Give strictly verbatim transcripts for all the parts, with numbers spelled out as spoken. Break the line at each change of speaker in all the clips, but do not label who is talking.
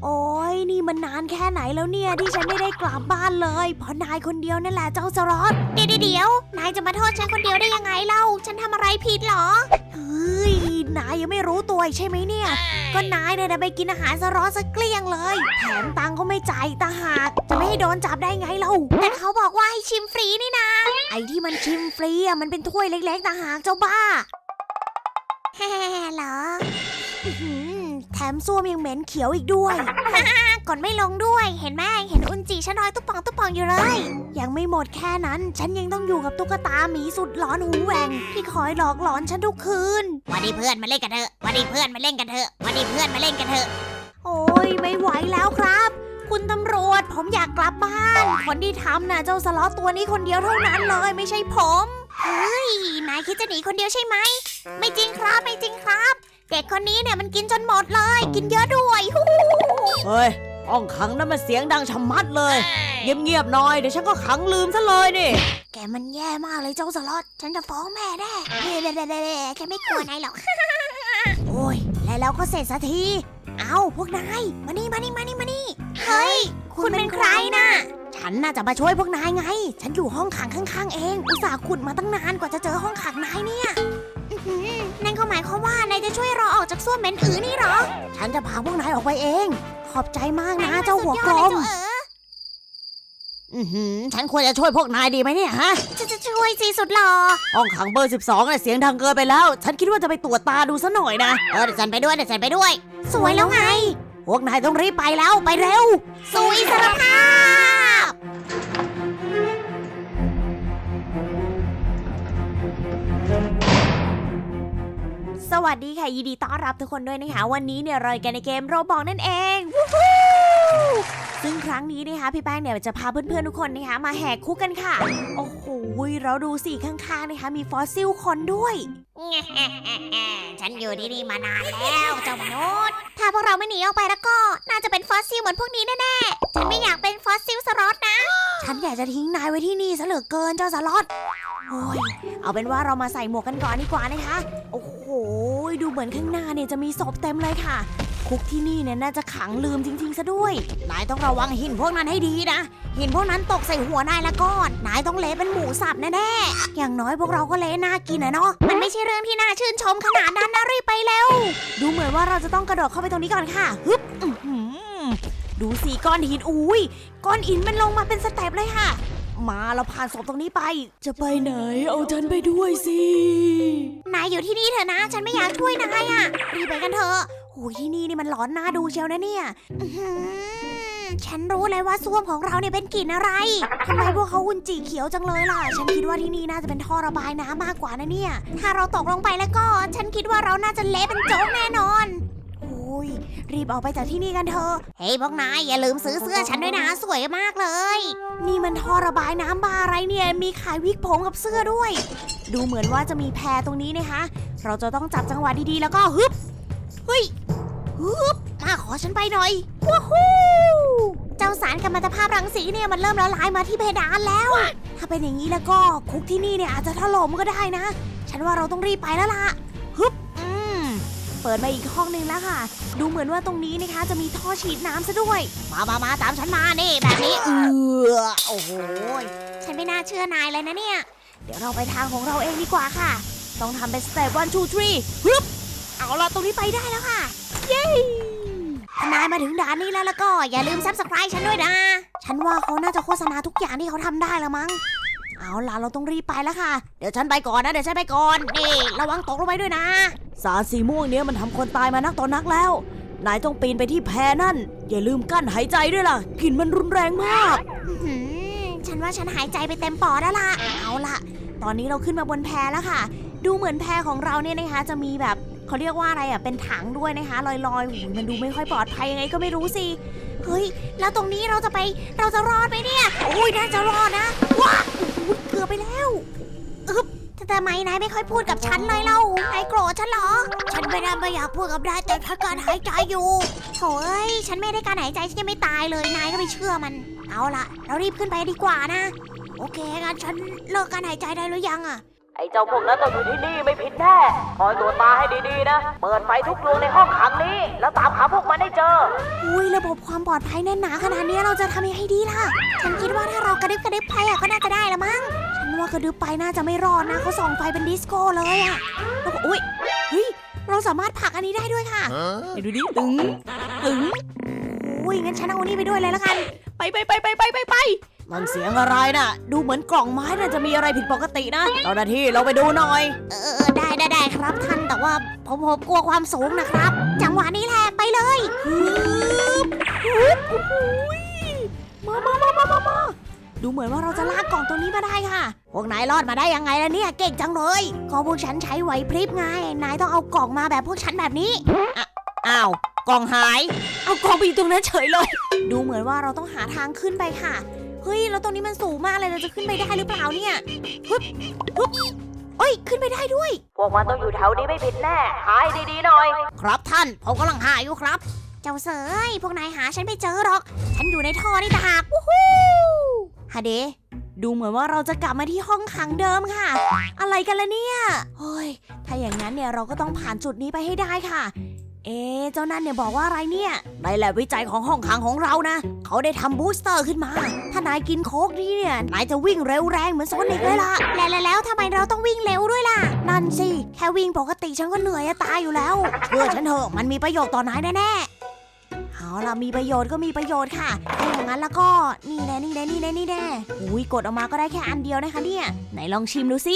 โอ้ยนี่มันนานแค่ไหนแล้วเนี่ยที่ฉันไม่ได้กลับบ้านเลยเพราะนายคนเดียวนั่นแหละเจ้าสล็อตเดี๋ยวเดี๋ยวนายจะมาโทษฉันคนเดียวได้ยังไงเล่าฉันทำอะไรผิดเหรอเฮ้ยนายยังไม่รู้ตัวใช่ไหมเนี่ยก็นายเนี่ยไปกินอาหารสล็อตซะเกลี้ยงเลยแถมตังค์ก็ไม่จ่ายตาหากจะไม่ให้โดนจับได้ไงเล่าแต่เขาบอกว่าให้ชิมฟรีนี่นะไอ้ที่มันชิมฟรีอ่ะมันเป็นถ้วยเล็กๆตาหากเจ้าบ้าแฮ่เหรอแถมส้วมยังเหม็นเขียวอีกด้วย ก่อนไม่ลงด้วยเห็นไหมเห็นอุนจิฉันลอยตุ๊บป่องตุ๊บป่องอยู่เลยยังไม่หมดแค่นั้นฉันยังต้องอยู่กับตุ๊กตาหมีสุดหลอนหูแหว่งที่คอยหลอกหลอนฉันทุกคืนวันนี้เพื่อนมาเล่นกันเถอะวันนี้เพื่อนมาเล่นกันเถอะวันนี้เพื่อนมาเล่นกันเถอะโอ้ยไม่ไหวแล้วครับคุณตำรวจผมอยากกลับบ้านคนที่ทำน่ะเจ้าสล็อตตัวนี้คนเดียวเท่านั้นเลยไม่ใช่ผมเฮ้ยนายคิดจะหนีคนเดียวใช่ไหมไม่จริงครับไม่จริงครับเด็กคนนี้เนี่ยมันกินจนหมดเลยกินเยอะด้วย
เฮ้ยห้องขังนั้นมันเสียงดังชะมัดเลยเงียบๆหน่อยเดี๋ยวฉันก็ขังลืมซะเลยนี่
แกมันแย่มากเลยเจ้าสล็อตฉันจะฟ้องแม่แน่เด้เด้เด้เด้แกไม่กลัวนายหรอกโอ้ยแล้วเราก็เสร็จสักทีเอาพวกนายมานี่มานี่มานี่มานี่เฮ้ยคุณเป็นใครน่ะฉันน่าจะมาช่วยพวกนายไงฉันอยู่ห้องขังข้างๆเองอุตส่าห์ขุดมาตั้งนานกว่าจะเจอห้องขังนายเนี่ยนั่นก็หมายความว่านายจะช่วยเราออกจากส้วมเหม็นอือนี่หรอฉันจะพาพวกนายออกไปเองขอบใจมากนะเจ้าหัวกลม
อือหือฉันควรจะช่วยพวกนายดีไหมเนี่ยฮะ
จะจะช่วยสิสุดหล่อ
ห้องขังเบอร์สิบสองเนี่ยเสียงดังเกินไปแล้วฉันคิดว่าจะไปตรวจตาดูซะหน่อยนะ
เออเดี๋ยวฉันไปด้วยเดี๋ยวฉันไปด้วยสวยแล้วไง
พวกนายต้องรีบไปแล้วไปเร็ว
สู่อิสรภาพสวัสดีค่ะยินดีต้อนรับทุกคนด้วยนะคะวันนี้เนี่ยเราอยู่กันในเกมโรบอกนั่นเองซึ่งครั้งนี้นะคะพี่แป้งเนี่ยจะพาเพื่อนๆทุกคนนะคะมาแหกคุกกันค่ะโอ้โหเราดูสิข้างๆนะคะมีฟอสซิลคนด้วยฉันอยู่ที่นี่มานานแล้วเจ้ามนุษย์ถ้าพวกเราไม่หนีออกไปแล้วก็น่าจะเป็นฟอสซิลเหมือนพวกนี้แน่ๆฉันไม่อยากเป็นฟอสซิลสล็อตนะฉันอยากจะทิ้งนายไว้ที่นี่ซะเหลือเกินเจ้าสล็อตโอ้ยเอาเป็นว่าเรามาใส่หมวกกันก่อนดีกว่านะคะโอ้โหดูเหมือนข้างหน้าเนี่ยจะมีศพเต็มเลยค่ะคุกที่นี่เนี่ยน่าจะขังลืมจริงๆซะด้วยนายต้องระวังหินพวกนั้นให้ดีนะหินพวกนั้นตกใส่หัวนายละก้อนนายต้องเละเป็นหมูสับแน่ๆอย่างน้อยพวกเราก็เละน่ากินนะเนาะมันไม่ใช่เรื่องที่น่าชื่นชมขนาดนั้นนะรีบไปเร็วดูเหมือนว่าเราจะต้องกระโดดเข้าไปตรงนี้ก่อนค่ะฮึบดูสิก้อนหินอุ้ยก้อนหินมันลงมาเป็นสเต็ปเลยค่ะมาเราผ่านศพตรงนี้ไป
จะไปไหนเอาฉันไปด้วยสิ
นายอยู่ที่นี่เถอะนะฉันไม่อยากช่วยนายอ่ะรีบไปกันเถอะโอ้ยที่นี่นี่มันหลอนน่าดูเชียวนะเนี่ยฉันรู้เลยว่าส้วมของเราเนี่ยเป็นกลิ่นอะไรทำไมพวกเขาอุนจีเขียวจังเลยล่ะฉันคิดว่าที่นี่น่าจะเป็นท่อระบายน้ำมากกว่านะเนี่ยถ้าเราตกลงไปแล้วก็ฉันคิดว่าเราน่าจะเละเป็นโจ๊กแน่นอนโอ้ยรีบออกไปจากที่นี่กันเถอะเฮ้ยพวกนายอย่าลืมซื้อเสื้อฉันด้วยนะสวยมากเลยนี่มันท่อระบายน้ำบาอะไรเนี่ยมีขายวิกผมกับเสื้อด้วยดูเหมือนว่าจะมีแพรตรงนี้นะคะเราจะต้องจับจังหวะดีๆแล้วก็ฮึบเฮ้ยฮึบมาขอฉันไปหน่อยว้าวเจ้าสารกัมมันตภาพรังสีเนี่ยมันเริ่มละลายมาที่เพดานแล้วถ้าเป็นอย่างนี้แล้วก็คุกที่นี่เนี่ยอาจจะถล่มก็ได้นะฉันว่าเราต้องรีบไปแล้วล่ะฮึบอืมเปิดมาอีกห้องนึงแล้วค่ะดูเหมือนว่าตรงนี้นะคะจะมีท่อฉีดน้ำซะด้วยมามามาตามฉันมานี่แบบนี้เออโอ้โหฉันไม่น่าเชื่อนายเลยนะเนี่ยเดี๋ยวเราไปทางของเราเองดีกว่าค่ะต้องทำเป็นสเต็ปวันทูทรีฮึบเอาล่ะตรงนี้ไปได้แล้วค่ะเย้ถ้านายมาถึงด่านนี้แล้วแล้วก็อย่าลืม ซับสไครบ์ ฉันด้วยนะฉันว่าเขาน่าจะโฆษณาทุกอย่างที่เขาทำได้แล้วมั้งเอาล่ะเราต้องรีบไปแล้วค่ะเดี๋ยวฉันไปก่อนนะเดี๋ยวฉันไปก่อนนี่ระวังตกลงไปด้วยนะ
สารสีม่วงเนี้ยมันทำคนตายมานักต่อนักแล้วนายต้องปีนไปที่แพนั่นอย่าลืมกั้นหายใจด้วยล่ะกลิ่นมันรุนแรงมาก
ฉันว่าฉันหายใจไปเต็มปอดแล้วล่ะเอาล่ะตอนนี้เราขึ้นมาบนแพแล้วค่ะดูเหมือนแพของเราเนี่ยนะคะจะมีแบบเขาเรียกว่าอะไรอ่ะเป็นถังด้วยนะคะลอยๆหูมันดูไม่ค่อยปลอดภัยยังไงก็ไม่รู้สิเฮ้ยแล้วตรงนี้เราจะไปเราจะรอดไหมเนี่ยโอ้ยน่าจะรอดนะว้าเกือบไปแล้วอึ๊บแต่ทำไมนายไม่ค่อยพูดกับฉันเลยเล่านายโกรธฉันเหรอฉันไม่ได้ไม่อยากพูดกับนายแต่ถ้าการหายใจอยู่โถ่เอ้ยฉันไม่ได้การหายใจฉันยังไม่ตายเลยนายก็ไม่เชื่อมันเอาล่ะเรารีบขึ้นไปดีกว่านะโอเคงั้นฉันเลิกการหายใจได้หรือยังอะ
ไอ้เจ้าพวกนั้นต้องอยู่ที่นี่ไม่ผิดแน่คอยตัวตาให้ดีๆนะเปิดไฟทุกดวงในห้องขังนี้แล้วตามหาพวกมันให้เจอ
อุ้ยระบบความปลอดภัยแน่นหนาขนาดนี้เราจะทำยังไงดีล่ะฉันคิดว่าถ้าเรากระดึบกระดึบไปอ่ะก็น่าจะได้ละมั้งฉันว่ากระดึบไปน่าจะไม่รอดนะเขาส่องไฟเป็นดิสโก้เลยอ่ะแล้วก็อุ้ยเฮ้ยเราสามารถผลักอันนี้ได้ด้วยค่ะเดี๋ยวดูดิตึงตึงอุ้ยงั้นฉันเอาอันนี้ไปด้วยเลยละกันไปไปไปไปไปไปไป
มันเสียงอะไรน่ะ ดูเหมือนกล่องไม้น่าจะมีอะไรผิดปกตินะเจ้าหน้าที่เราไปดูหน่อย
เออได้ได้ได้ครับท่านแต่ว่าผมผมกลัวความสูงนะครับ จังหวะนี้แหละไปเลยฮึบฮึบโอ้โหมามามามามามาดูเหมือนว่าเราจะลากกล่องตัวนี้มาได้ค่ะ พวกนายรอดมาได้ยังไงล่ะเนี่ยเก่งจังเลยก็พวกฉันใช้ไหวพริบไงนายต้องเอากล่องมาแบบพวกฉันแบบนี้
อ้าวกล่องหาย
เอากล่องไปอยู่ตรงนั้นเฉยเลย ดูเหมือนว่าเราต้องหาทางขึ้นไปค่ะเฮ้ยแล้วตรงนี้มันสูงมากเลยเราจะขึ้นไปได้หรือเปล่าเนี่ยฮึบฮึบเอ้ยขึ้นไปได้ด้วย
พวกมันต้องอยู่แถวนี้ไม่ผิดแน่หายดีๆหน่อย
ครับท่านผมกำลังหาอยู่ครับ เจ้าเสยพวกนายหาฉันไม่เจอหรอก ฉันอยู่ในท่อนี่ต่างหากวู้ฮู้ฮะเดดูเหมือนว่าเราจะกลับมาที่ห้องขังเดิมค่ะ อะไรกันล่ะเนี่ยเฮ้ยถ้าอย่างนั้นเนี่ยเราก็ต้องผ่านจุดนี้ไปให้ได้ค่ะ เอ๊ะเจ้านั่นเนี่ยบอกว่าอะไรเนี่ยในแลบวิจัยของห้องขังของเรานะเขาได้ทำบูสเตอร์ขึ้นมา ถ้านายกินโค้กนี่เนี่ยนายจะวิ่งเร็วแรงเหมือนโซนิกเลยล่ะแล้วแล้วทำไมเราต้องวิ่งเร็วด้วยล่ะนั่นสิแค่วิ่งปกติฉันก็เหนื่อยจะตายอยู่แล้วเชื่อฉันเถอะมันมีประโยชน์ต่อนายแน่ๆเอาล่ะมีประโยชน์ก็มีประโยชน์ค่ะถ้าอย่างนั้นแล้วก็นี่แน่นี่แน่นี่แน่นี่แน่อุ้ยกดออกมาก็ได้แค่อันเดียวนะคะเนี่ยไหนลองชิมดูสิ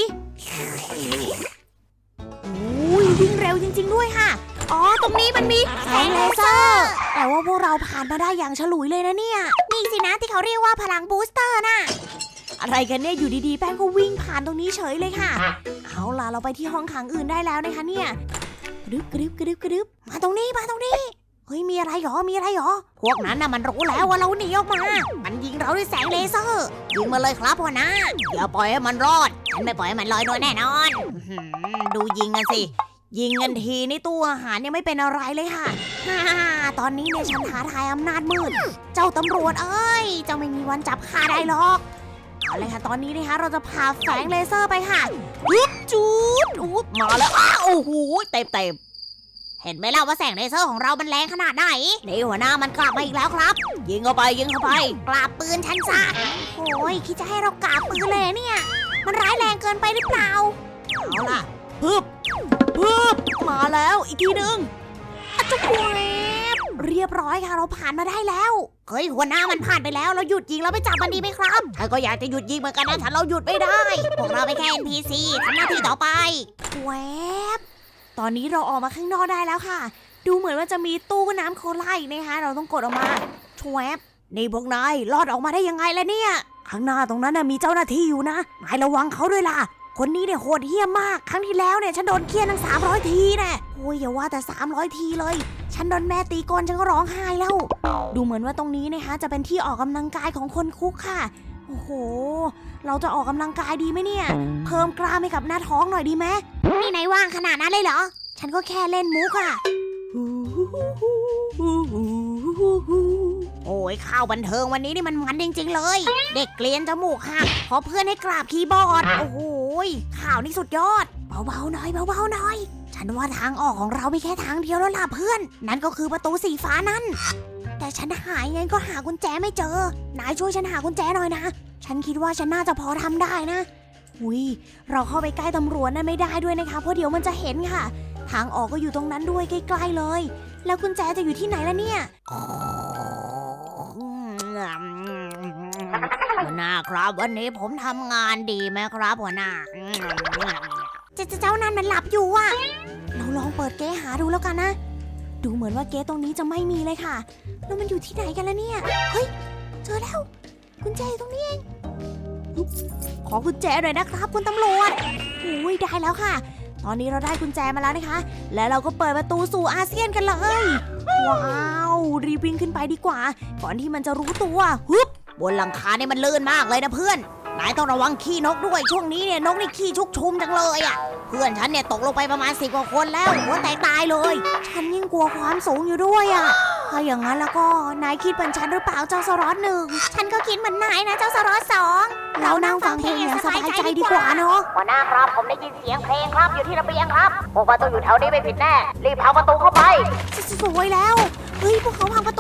อุ้ยวิ่งเร็วจริงๆด้วยค่ะอ๋อตรงนี้มันมีแสงเลเซอร์แต่ว่าพวกเราผ่านมาได้อย่างฉลุยเลยนะเนี่ยนี่สินะที่เขาเรียกว่าพลังบูสเตอร์น่ะอะไรกันเนี่ยอยู่ดีๆแป้งก็วิ่งผ่านตรงนี้เฉยเลยค่ะเอาล่ะเราไปที่ห้องขังอื่นได้แล้วนะคะเนี่ยกระดึบกระดึบกระดึบกระดึบมาตรงนี้มาตรงนี้เฮ้ยมีอะไรหรอมีอะไรหรอพวกนั้นน่ะมันรู้แล้วว่าเราหนีออกมามันยิงเราด้วยแสงเลเซอร์ยิงมาเลยครับพ่อนะอย่าปล่อยให้มันรอดฉันไม่ปล่อยให้มันลอยนวลแน่นอนดูยิงกันสิยิงกันทีนี่ตู้อาหารยังไม่เป็นอะไรเลยค่ะฮ่าตอนนี้เนี่ยฉันท้าทายอำนาจมืดเจ้าตำรวจเอ้ยเจ้าไม่มีวันจับข้าได้หรอกเอาเลยค่ะตอนนี้นะคะเราจะพาแสงเลเซอร์ไปค่ะยุบจูดอุ๊บมาแล้วอ้าวโอ้โหเต็มเต็มเห็นไหมล่ะว่าแสงเลเซอร์ของเรามันแรงขนาดไหนนี่หัวหน้ามันกลับมาอีกแล้วครับยิงเข้าไปยิงเข้าไปกราบปืนฉันซะโอ้ยคิดจะให้เรากราบปืนเลยเนี่ยมันร้ายแรงเกินไปหรือเปล่าเอาล่ะฮึบฮึบมาแล้วอีกทีหนึ่งอะจุ๊บเรียบร้อยค่ะเราผ่านมาได้แล้วเฮ้ยหัวหน้ามันผ่านไปแล้วเราหยุดยิงแล้วไปจับมันดีไหมครับฉันก็อยากจะหยุดยิงเหมือนกันนะแต่เราหยุดไม่ได้พวกเราไปแค่ เอ็น พี ซี ทำหน้าที่ต่อไปแวบตอนนี้เราออกมาข้างนอกได้แล้วค่ะดูเหมือนว่าจะมีตู้น้ำโคลาอีกนะคะเราต้องกดออกมาชวบนี่พวกนายรอดออกมาได้ยังไงล่ะเนี่ยข้างหน้าตรงนั้นน่ะมีเจ้าหน้าที่อยู่นะนายระวังเขาด้วยล่ะคนนี้เนี่ยโหดเหี้ยมมากครั้งที่แล้วเนี่ยฉันโดนเคี่ยนตั้งสามร้อยทีแน่โอ้ยอย่าว่าแต่สามร้อยทีเลยฉันโดนแม่ตีก้นฉันก็ร้องไห้แล้วดูเหมือนว่าตรงนี้นะคะจะเป็นที่ออกกำลังกายของคนคุกค่ะโอ้โหเราจะออกกำลังกายดีไหมเนี่ยเพิ่มกล้ามให้กับหน้าท้องหน่อยดีไหมนี่นายว่างขนาดนั้นเลยเหรอฉันก็แค่เล่นมุกอะโอ้ยข่าวบันเทิงวันนี้นี่มันมันจริงๆเลยเด็กเกลียนจมูกหักเพราะเพื่อนให้กราบคีย์บอร์ดโอ้โหข่าวนี่สุดยอดเบาๆหน่อยเบาๆหน่อยฉันว่าทางออกของเรามีแค่ทางเดียวแล้วล่ะเพื่อนนั่นก็คือประตูสีฟ้านั่นแต่ฉันหายไงก็หากุญแจไม่เจอนายช่วยฉันหากุญแจหน่อยนะฉันคิดว่าฉันน่าจะพอทำได้นะอุ้ยเราเข้าไปใกล้ตำรวจนั่นไม่ได้ด้วยนะคะเพราะเดี๋ยวมันจะเห็นค่ะทางออกก็อยู่ตรงนั้นด้วยใกล้ๆเลยแล้วกุญแจจะอยู่ที่ไหนล่ะเนี่ยหัวหน้าครับวันนี้ผมทำงานดีไหมครับหัวหน้าเจ้าเจ้านั่นมันหลับอยู่อ่ะเราลองเปิดเก๊หาดูแล้วกันนะดูเหมือนว่าเก๊ตรงนี้จะไม่มีเลยค่ะแล้วมันอยู่ที่ไหนกันล่ะเนี่ยเฮ้ยเจอแล้วกุญแจอยู่ตรงนี้เองขอกุญแจหน่อยนะครับคุณตำรวจโอ้ยได้แล้วค่ะตอนนี้เราได้กุญแจมาแล้วนะคะและเราก็เปิดประตูสู่อาเซียนกันเลยว้าวรีบวิ่งขึ้นไปดีกว่าก่อนที่มันจะรู้ตัวฮึบบนหลังคาเนี่ยมันลื่นมากเลยนะเพื่อนนายต้องระวังขี้นกด้วยช่วงนี้เนี่ยนกนี่ขี้ชุกชุมจังเลยอ่ะเพื่อนฉันเนี่ยตกลงไปประมาณสิบกว่าคนแล้วหัวแตกตายเลยฉันยิ่งกลัวความสูงอยู่ด้วยอ่ะถ้าอย่างนั้นแล้วก็นายคิดเหมือนฉันหรือเปล่าเจ้าสรอตหนึ่งฉันก็คิดเหมือนนายนะเจ้าสรอตสองเรานั่งฟังเพลงอย่างสบายใจดีกว่าเนาะ
หัวหน้าครับผมได้ยินเสียงเพลงครับอยู่ที่ระเบียงครับพวกมันต้องอยู่แถวนี้ไม่ผิดแน่รีบพังประตูเข้าไป
สวยแล้วเฮ้ยพวกเขาพังประ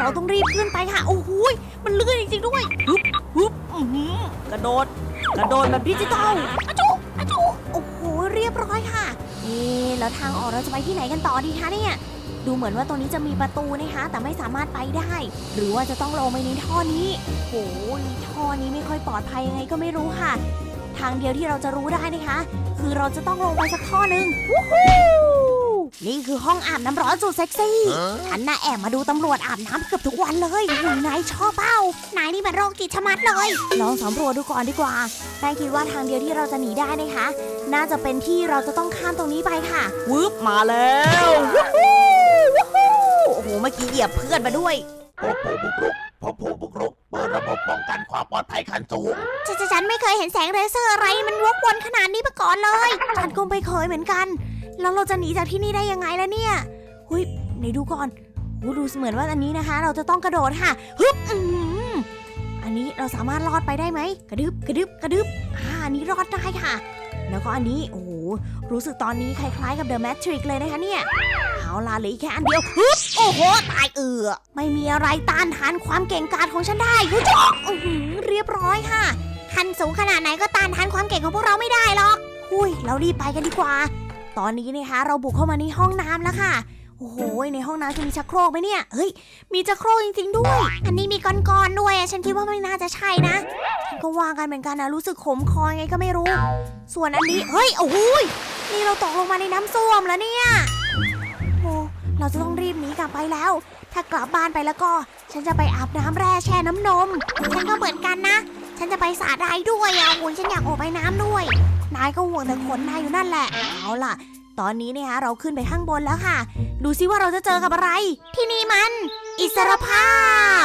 เราต้องรีบขึ้นไปค่ะ โอ้โหยมันเลื่อนจริงๆด้วย
ฮึบฮึบอื้อหือกระโดด กระโดดแบบดิจิตอล
อะจุอะจุโอ้โห เรียบร้อยค่ะเอ๊ะแล้วทางออกเราจะไปที่ไหนกันต่อดีคะเนี่ย ดูเหมือนว่าตรงนี้จะมีประตูนะคะ แต่ไม่สามารถไปได้ หรือว่าจะต้องลงไปในท่อนี้โอ้ยท่อนี้ไม่ค่อยปลอดภัยยังไงก็ไม่รู้ค่ะ ทางเดียวที่เราจะรู้ได้นะคะ คือเราจะต้องลงไปสักท่อหนึ่งวู้ฮู้นี่คือห้องอาบน้ำร้อนสุดเซ็กซี่ ฉันน่ะแอบมาดูตำรวจอาบน้ำเกือบทุกวันเลยหูยนายชอบเป้านายนี่มันโรคจิตชะมัดเลย ลองสำรวจดูก่อนดีกว่าแป้งคิดว่าทางเดียวที่เราจะหนีได้นะคะ น่าจะเป็นที่เราจะต้องข้ามตรงนี้ไปค่ะ
วึบมาแล้ววู้ฮู้วู้ฮู้โอ้โห เมื่อกี้เหยียบเพื่อนมาด้วย
พบผู้บุกรุกพบผู้บุกรุกเปิดระบบป้องกันความปลอดภัยขั้นสูง
ฉนฉันไม่เคยเห็นแสงเลเซอร์อะไรมันวกวนขนาดนี้มาก่อนเลย ฉันก็ไม่เคยเหมือนกัน แล้วเราจะหนีจากที่นี่ได้ยังไงล่ะเนี่ยเฮ้ยไหนดูก่อนโอ้ดูเหมือนว่าอันนี้นะคะ เราจะต้องกระโดดค่ะฮึบอืมอันนี้เราสามารถรอดไปได้ไหมกระดึบกระดึบกระดึบอ่าอันนี้รอดได้ค่ะ แล้วก็อันนี้โอ้โหรู้สึกตอนนี้คล้ายๆกับ The Matrix เลยนะคะเนี่ยเอาล่ะเหลืออีกแค่อันเดียวฮึบโอ้โหตายเอือไม่มีอะไรต้านทานความเก่งกาจของฉันได้ฮึจ๊อกอื้อหือเรียบร้อยค่ะคันสูงขนาดไหนก็ต้านทานความเก่งของพวกเราไม่ได้หรอกหุยเรารีบไปกันดีกว่า ตอนนี้นะคะเราบุกเข้ามาในห้องน้ำแล้วค่ะโอ้โหในห้องน้ำจะมีชักโครกไหมเนี่ยเฮ้ยมีชักโครกจริงๆด้วย อันนี้มีก้อนๆด้วยฉันคิดว่าไม่น่าจะใช่นะฉันก็วางกันเหมือนกันนะรู้สึกขมคอไงก็ไม่รู้ ส่วนอันนี้เฮ้ยโอ้โหนี่เราตกลงมาในน้ำส้วมแล้วเนี่ยโอ้เราจะต้องรีบหนีกลับไปแล้ว ถ้ากลับบ้านไปแล้วก็ฉันจะไปอาบน้ำแร่แช่น้ำนมฉันก็เหมือนกันนะฉันจะไปสระได้ด้วยอ่ะโอ้ยฉันอยากออกไปน้ำด้วยนายก็ห่วงแต่ขนนายอยู่นั่นแหละเอาล่ะตอนนี้เนี่ยเราขึ้นไปข้างบนแล้วค่ะดูซิว่าเราจะเจอกับอะไรที่นี่มันอิสรภาพ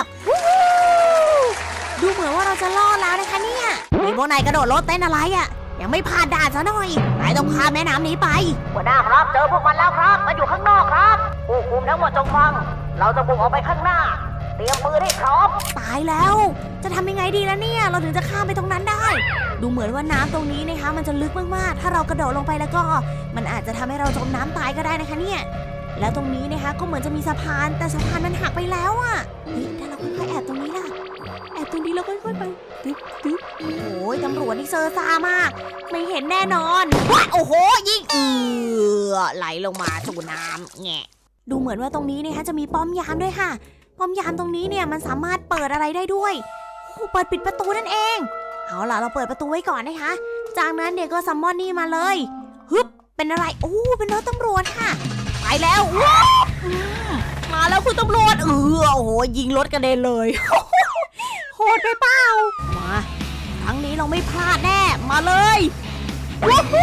ดูเหมือนว่าเราจะรอดแล้วนะคะเนี่ยมีพวกนายกระโดดรถเต้นอะไรอ่ะยังไม่ผ่านด่านซะหน่อยนายต้องข้ามแม่น้ำนี้ไป
หัวหน้าครับเจอพวกมันแล้วครับมันอยู่ข้างนอกครับผู้คุมทั้งหมดจงฟัง เราจะบุกออกไปข้างหน้า เตรียมปืนให้พร้อม
ตายแล้วจะทำยังไงดีล่ะเนี่ยเราถึงจะข้ามไปตรงนั้นได้ ดูเหมือนว่าน้ำตรงนี้นะคะมันจะลึกมากๆถ้าเรากระโดดลงไปแล้วก็ มันอาจจะทำให้เราจมน้ำตายก็ได้นะคะเนี่ยแล้วตรงนี้นะคะก็เหมือนจะมีสะพานแต่สะพานมันหักไปแล้วอ่ะเฮ้ยถ้าเราค่อยๆแอบตรงนี้ล่ะแอบตรงนี้แล้วค่อยๆไปตึ๊บตึ๊บโอ้ยตำรวจนี่เซอร์ซ่ามากไม่เห็นแน่นอนว้าโอ้โหยิงเอือไหลลงมาสู่น้ำแงะดูเหมือนว่าตรงนี้นะคะจะมีป้อมยามด้วยค่ะป้อมยามตรงนี้เนี่ยมันสามารถเปิดอะไรได้ด้วยโอ้เปิดปิดประตูนั่นเองเอาล่ะเราเปิดประตูไว้ก่อนนะคะจากนั้นเด็กก็ซัมมอนนี่มาเลยฮึบเป็นอะไรโอ้เป็นรถตำรวจค่ะไปแล้วว้าวมาแล้วคุณตำรวจเออโอ้โหยิงรถกระเด็นเลย โหดไปเปล่ามาครั้งนี้เราไม่พลาดแน่มาเลยว้าว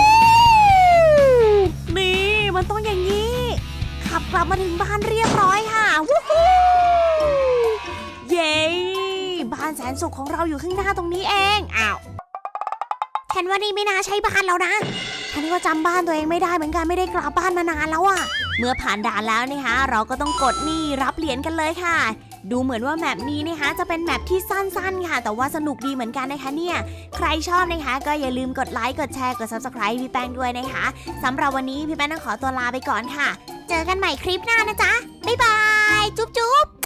นี่มันต้องอย่างนี้ขับกลับมาถึงบ้านเรียบร้อยค่ะวู้ฮู้เย้บ้านแสนสุขของเราอยู่ข้างหน้าตรงนี้เองอ้าวฉันว่านี่ไม่น่าใช่บ้านแล้วนะฉันก็จำบ้านตัวเองไม่ได้เหมือนกันไม่ได้กลับบ้านมานานแล้วอะเมื่อผ่านด่านแล้วนะคะเราก็ต้องกดนี่รับเหรียญกันเลยค่ะดูเหมือนว่าแมปนี้นะคะจะเป็นแมปที่สั้นๆค่ะแต่ว่าสนุกดีเหมือนกันนะคะเนี่ยใครชอบนะคะก็อย่าลืมกดไลค์กดแชร์กด ซับสไครบ์ พี่แป้งด้วยนะคะสำหรับวันนี้พี่แป้งต้องขอตัวลาไปก่อนค่ะเจอกันใหม่คลิปหน้านะจ๊ะบ๊ายบายจุ๊บจุ๊บ